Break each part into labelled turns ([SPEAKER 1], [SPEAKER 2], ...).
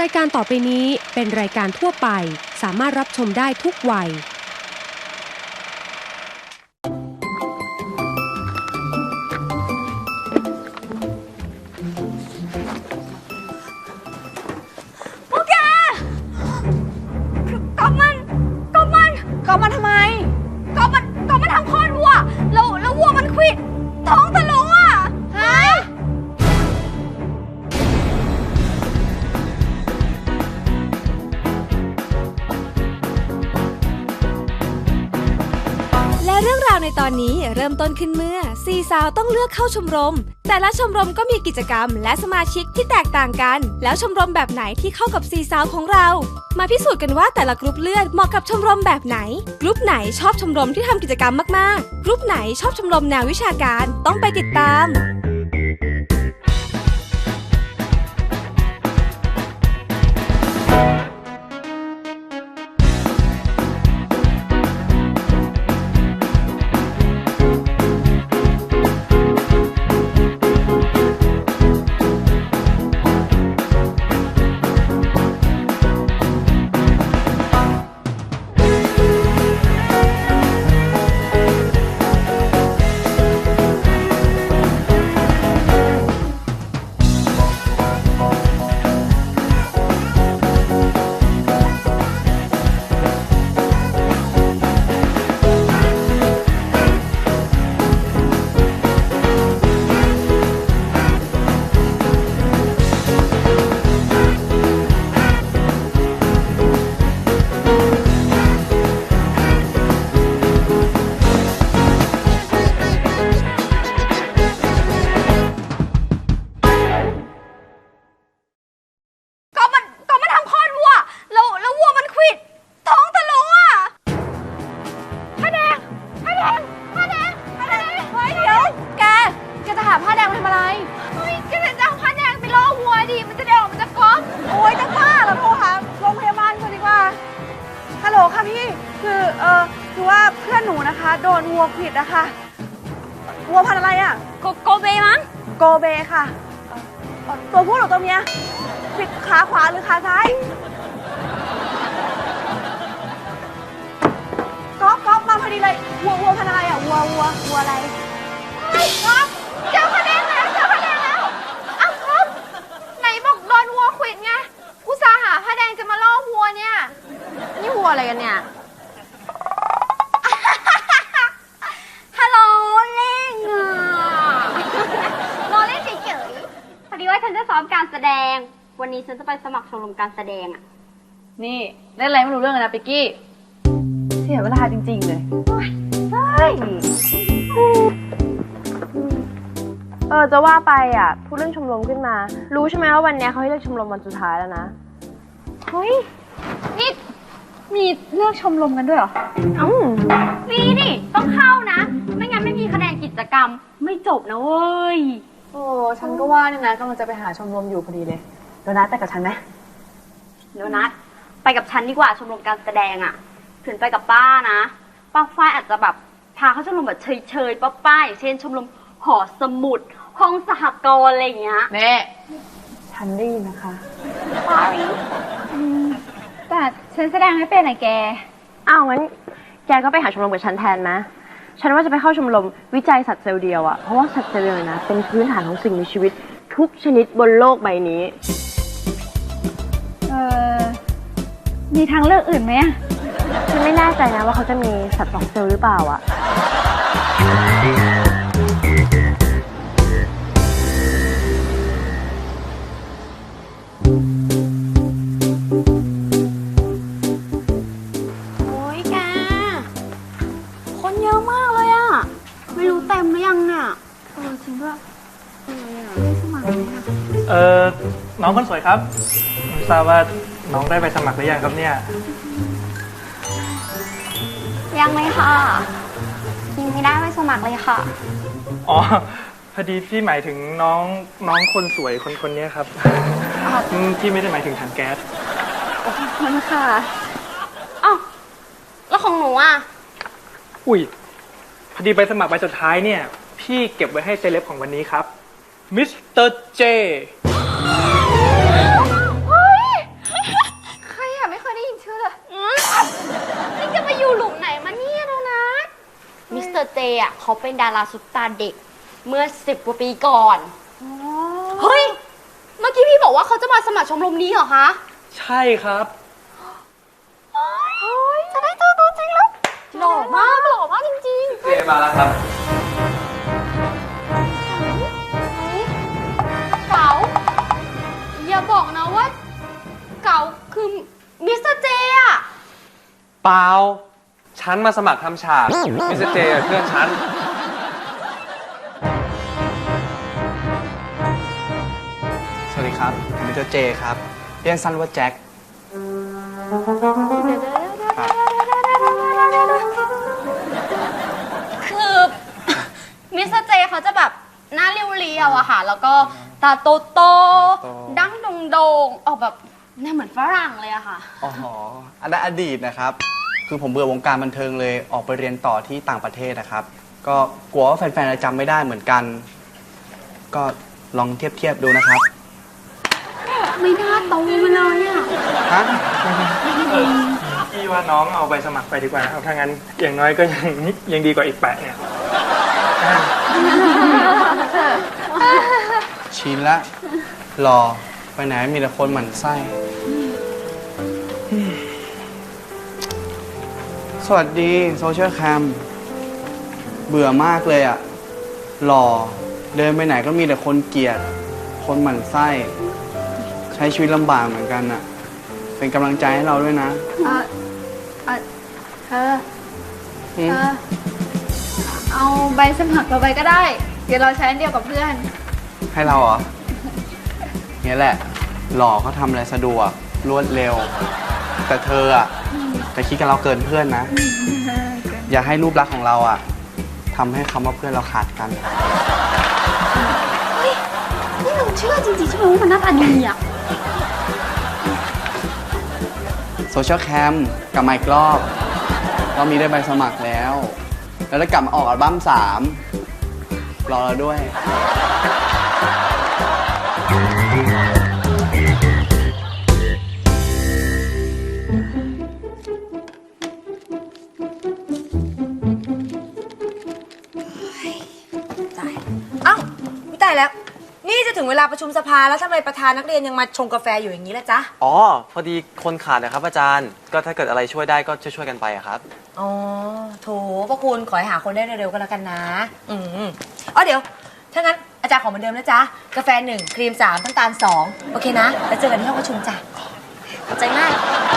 [SPEAKER 1] ายการต่อไปนี้เป็นรายการทั่วไปสามารถรับชมได้ทุกวัย
[SPEAKER 2] พวกแกกอบมันทำไมกอบมันทำคลอดวัวแล้ววัวมันควิดท้องทะลุอ่ะฮะ
[SPEAKER 3] และเรื่องราวในตอนนี้เริ่มต้นขึ้นเมื่อสี่สาวต้องเลือกเข้าชมรมแต่ละชมรมก็มีกิจกรรมและสมาชิกที่แตกต่างกันแล้วชมรมแบบไหนที่เข้ากับสี่สาวของเรามาพิสูจน์กันว่าแต่ละกรุ๊ปเลือดเหมาะกับชมรมแบบไหนกรุ๊ปไหนชอบชมรมที่ทำกิจกรรมมากๆกรุ๊ปไหนชอบชมรมแนววิชาการต้องไปติดตาม
[SPEAKER 2] คือว่าเพื่อนหนูนะคะโดนวัวควิดนะคะวัวพันธุ์อะไรอ่ะโกเบมั้งโกเบค่ะตัวผู้หรือตัวเมียควิดขาขวาหรือขาซ้ายก๊อฟมาพอดีเลยวัวพันธุ์อะไรอ่ะวัวอะไรก๊อฟเจอคะแนนแล้วอ้าวก๊อฟไหนบอกโดนวัวควิดไงอุตส่าห์หาผ้าแดงจะมาล่อวัวเนี่ยนี่วัวอะไรกันเนี่ย
[SPEAKER 4] ฉันจะซ้อมการแสดงวันนี้ฉันจะไปสมัครชมรมการแสดงอ่ะ
[SPEAKER 2] นี่เล่นอะไรไม่รู้เรื่องเลยนะปิกกี้เสียเวลาจริงๆเลยใช่
[SPEAKER 5] จะว่าไปอ่ะพูดเรื่องชมรมขึ้นมารู้ใช่ไหมว่าวันนี้เขาให้เลือกชมรมวันสุดท้ายแล้วนะ
[SPEAKER 4] เฮ้ยนี่มีเลือกชมรมกันด้วยเหรอมีดิต้องเข้านะไม่งั้นไม่มีคะแนนกิจกรรมไม่จบนะเว้ย
[SPEAKER 2] ฉันก็ว่าเนี่ยนะกำลังจะไปหาชมรมอยู่พอดีเลยโดนัทไปกับฉันไหม
[SPEAKER 4] โดนัทไปกับฉันดีกว่าชมรมการแสดงอ่ะถึงไปกับป้านะป้าฝ้ายอาจจะแบบพาเข้าชมรมแบบเฉยๆป้าอย่างเช่นชมรมหอสมุดห้องสหกรณ์อะไรอย่างเงี้ย
[SPEAKER 2] เน่ฉันได้ยินนะคะ
[SPEAKER 4] แต่ฉันแสดงไม่เป็นไงแก
[SPEAKER 5] งั้นแกก็ไปหาชมรมกับฉันแทนนะฉันว่าจะไปเข้าชมรมวิจัยสัตว์เซลล์เดียวอะเพราะว่าสัตว์เซลล์เดียวนะเป็นพื้นฐานของสิ่งมีชีวิตทุกชนิดบนโลกใบนี้
[SPEAKER 4] มีทางเลือกอื่นไหมอะ
[SPEAKER 5] ฉันไม่แน่ใจนะว่าเขาจะมีสัตว์2 เซลล์หรือเปล่าอะ
[SPEAKER 4] โอ้ยแกคนเยอะมากเลยอะไม่รู้เต็มหรือยังเนี่ยจริงด้วยไม่สมัครเลยค่ะ
[SPEAKER 6] น้องคนสวยครับไม่ทราบว่าน้องได้ไปสมัครหรือยังครับเนี่ย
[SPEAKER 4] ยังเลยค่ะยังไม่ได้ไปสมัครเลยค่ะ
[SPEAKER 6] อ๋อพอดีพี่หมายถึงน้องคนสวยคนนี้ครับพี่ไม่ได้หมายถึงถังแก๊ส
[SPEAKER 4] ขอบคุณค่ะอ้าวแล้วของหนูอ่ะ
[SPEAKER 6] อุ้ยพอดีใบสมัครใบสุดท้ายเนี่ยพี่เก็บไว้ให้เซเลบของวันนี้ครับมิสเตอร์เจ
[SPEAKER 4] เฮ้ยร์เจอ่ะเขาเป็นดาราซุปตาร์เด็กเมื่อ10 กว่าปีก่อนเฮ้ยเมื่อกี้พี่บอกว่าเขาจะมาสมัครชมรมนี้เหรอคะ
[SPEAKER 6] ใช่ครับ
[SPEAKER 2] จะได้ตัวจริงแล้ว
[SPEAKER 4] หล่อมากจริง
[SPEAKER 7] เจมาแล้วครับ
[SPEAKER 4] ๆเก๋าอย่าบอกนะว่าเก๋าคือมิสเตอร์เจอ่ะ
[SPEAKER 7] เปล่า ฉันมาสมัครทำฉากมิสเตอร์เจเพื่อนฉัน
[SPEAKER 8] สวัสดีครับผมมิสเตอร์เจครับ เรียกสั้นว่าแจ็คครับ
[SPEAKER 4] คือ มิสเตอร์เจเขาจะแบบหน้าเรียวๆอะค่ะ แล้วก็ตาโตๆดั้งโด่งๆออกแบบเนี่ยเหมือนฝรั่งเลยอะค่ะ
[SPEAKER 8] อ๋ออันนั้นอดีตนะครับ คือผมเบื่อวงการบันเทิงเลยออกไปเรียนต่อที่ต่างประเทศนะครับ ก็กลัวว่าแฟนๆจะจำไม่ได้เหมือนกัน ก็ลองเทียบดูนะครับ
[SPEAKER 4] ไม่น่าโตมาเลยอะ
[SPEAKER 8] ฮะ
[SPEAKER 6] พี่ว่าน้องเอาใบสมัครไปดีกว่านะครับถ้างั้นอย่างน้อยก็ยังดีกว่าอีกแปะเนี่ย
[SPEAKER 8] ชินละรอไปไหนมีแต่คนหมั่นไส้สวัสดีโซเชียลแคมเบื่อมากเลยอะหล่อเดินไปไหนก็มีแต่คนเกลียด คนหมั่นไส้ใช้ชีวิตลำบากเหมือนกันอะเป็นกำลังใจให้เราด้วยนะ
[SPEAKER 2] เธอ
[SPEAKER 8] อืม
[SPEAKER 2] เอาใบสมัครเราไปก็ได้ เดี๋ยวเราใช้อันเดียวกับเพื่อน
[SPEAKER 8] ให้เราเหรอเนี่ยแหละ หล่อเขาทำอะไรสะดวกรวดเร็ว แต่เธออะแต่คิดกับเราเกินเพื่อนนะ อย่าให้รูปลักษณ์ของเราอะทำให้คำว่าเพื่อนเราขาดกัน
[SPEAKER 4] นี่หนูเชื่อจริงๆใช่ไหมว่ามันหน้าตาดีอะ
[SPEAKER 8] โซเชียลแคมกลับมาอีกรอบรอบนี้ได้ใบสมัครแล้ว แล้วได้กลับมาออกอัลบั้ม3รอเราด้วย
[SPEAKER 5] เอ้าไม่ตายแล้ว นี่จะถึงเวลาประชุมสภาแล้วทำไมประธานนักเรียนยังมาชงกาแฟอยู่อย่างนี้ล่ะจ๊ะ
[SPEAKER 9] อ๋อ พอดีคนขาดนะครับอาจารย์ ก็ถ้าเกิดอะไรช่วยได้ก็ช่วยๆกันไปอะครับ
[SPEAKER 5] อ๋อโถพระคุณขอให้หาคนได้เร็วๆก็แล้วกันนะอ๋อเดี๋ยว ถ้างั้นอาจารย์ขอเหมือนเดิมนะจ๊ะ กาแฟ1ครีม3น้ำตาล2โอเคนะ แล้วเจอกันที่ห้องประชุมจ้ะขอบใจมาก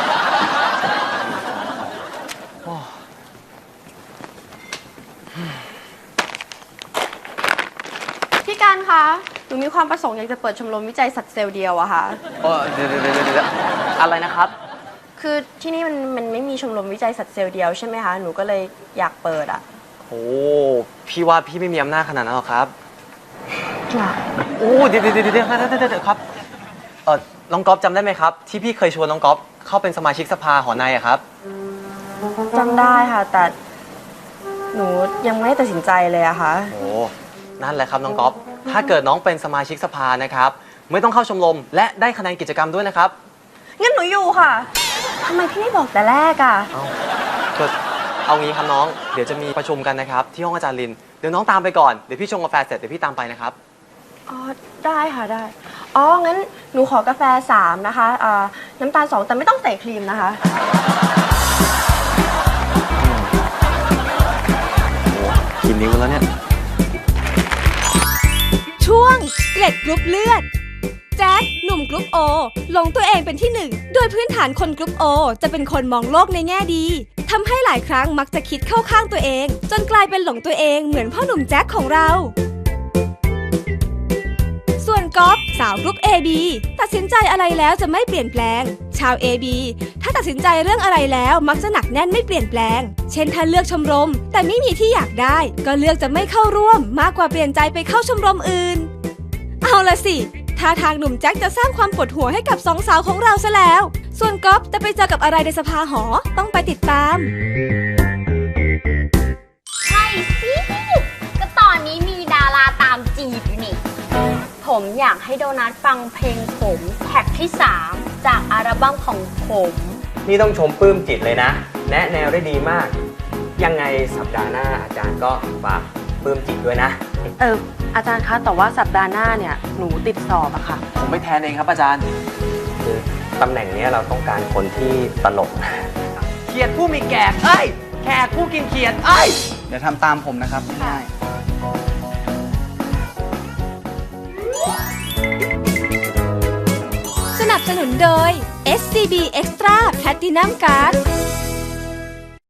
[SPEAKER 2] พี่การคะ หนูมีความประสงค์อยากจะเปิดชมรมวิจัยสัตว์เซลล์เดียวอะค่ะ
[SPEAKER 9] เดี๋ยวอะไรนะครับ
[SPEAKER 5] คือที่นี่มันไม่มีชมรมวิจัยสัตว์เซลล์เดียวใช่ไหมคะ หนูก็เลยอยากเปิดอ่ะ
[SPEAKER 9] โอ้พี่ว่าพี่ไม่มีอำนาจขนาดนั้นหรอกครับโอ้เดี๋ยวครับน้องก๊อฟจำได้ไหมครับ ที่พี่เคยชวนน้องก๊อฟเข้าเป็นสมาชิกสภาหอในอะครับ
[SPEAKER 5] จำได้ค่ะ แต่หนูยังไม่ได้ตัดสินใจเลยอะค่ะ
[SPEAKER 9] โอ้นั่นแหละครับน้องก๊อฟถ้าเกิดน้องเป็นสมาชิกสภานะครับไม่ต้องเข้าชมรมและได้คะแนนกิจกรรมด้วยนะครับ
[SPEAKER 5] งั้นหนูอยู่ค่ะทำไมพี่ไม่บอกแต่แรกอะ
[SPEAKER 9] เอางี้ครับน้องเดี๋ยวจะมีประชุมกันนะครับที่ห้องอาจารย์ลินเดี๋ยวน้องตามไปก่อนเดี๋ยวพี่ชงกาแฟเสร็จเดี๋ยวพี่ตามไปนะครับ
[SPEAKER 5] อ๋อได้ค่ะได้อ๋องั้นหนูขอกาแฟ3นะคะน้ำตาล2แต่ไม่ต้องใส่ครีมนะคะ
[SPEAKER 9] กินนิ้วแล้วเนี่ย
[SPEAKER 3] ช่วงเกล็ดกรุ๊ปเลือด แจ็คหนุ่มกรุ๊ปโอหลงตัวเองเป็นที่หนึ่งโดยพื้นฐานคนกรุ๊ปโอจะเป็นคนมองโลกในแง่ดีทำให้หลายครั้งมักจะคิดเข้าข้างตัวเอง จนกลายเป็นหลงตัวเองเหมือนพ่อหนุ่มแจ็คของเรา ส่วนก๊อฟสาวกรุ๊ป AB ตัดสินใจอะไรแล้วจะไม่เปลี่ยนแปลง ชาว AB ถ้าตัดสินใจเรื่องอะไรแล้วมักจะหนักแน่นไม่เปลี่ยนแปลง เช่นถ้าเลือกชมรมแต่ไม่มีที่อยากได้ก็เลือกจะไม่เข้าร่วมมากกว่าเปลี่ยนใจไปเข้าชมรมอื่น เอาละสิท่าทางหนุ่มแจ็คจะสร้างความปวดหัวให้กับสองสาวของเราซะแล้ว ส่วนก๊อฟจะไปเจอกับอะไรในสภาหอต้องไปติดตาม
[SPEAKER 4] ใช่สิก็ตอนนี้มีดาราตามจีบอยู่นี่ผมอยากให้โดนัทฟังเพลงผมแท็กที่ 3 จากอัลบั้มของผม
[SPEAKER 9] นี่ต้องชมปลื้มจิตเลยนะ แนะแนวได้ดีมากยังไงสัปดาห์หน้าอาจารย์ก็ฝากปลื้มจิตด้วยนะ
[SPEAKER 5] อาจารย์คะแต่ว่าสัปดาห์หน้าเนี่ยหนูติดสอบอะค่ะ
[SPEAKER 9] ผมไปแทนเองครับอาจารย์ คือตำแหน่งนี้เราต้องการคนที่ตลกเขียดผู้มีแกกเอ้ยแขกผู้กินเขียดเอ้ย
[SPEAKER 8] เดี๋ยวทำตามผมนะครับง่าย
[SPEAKER 3] สนับสนุนโดย SCB Extra Platinum Card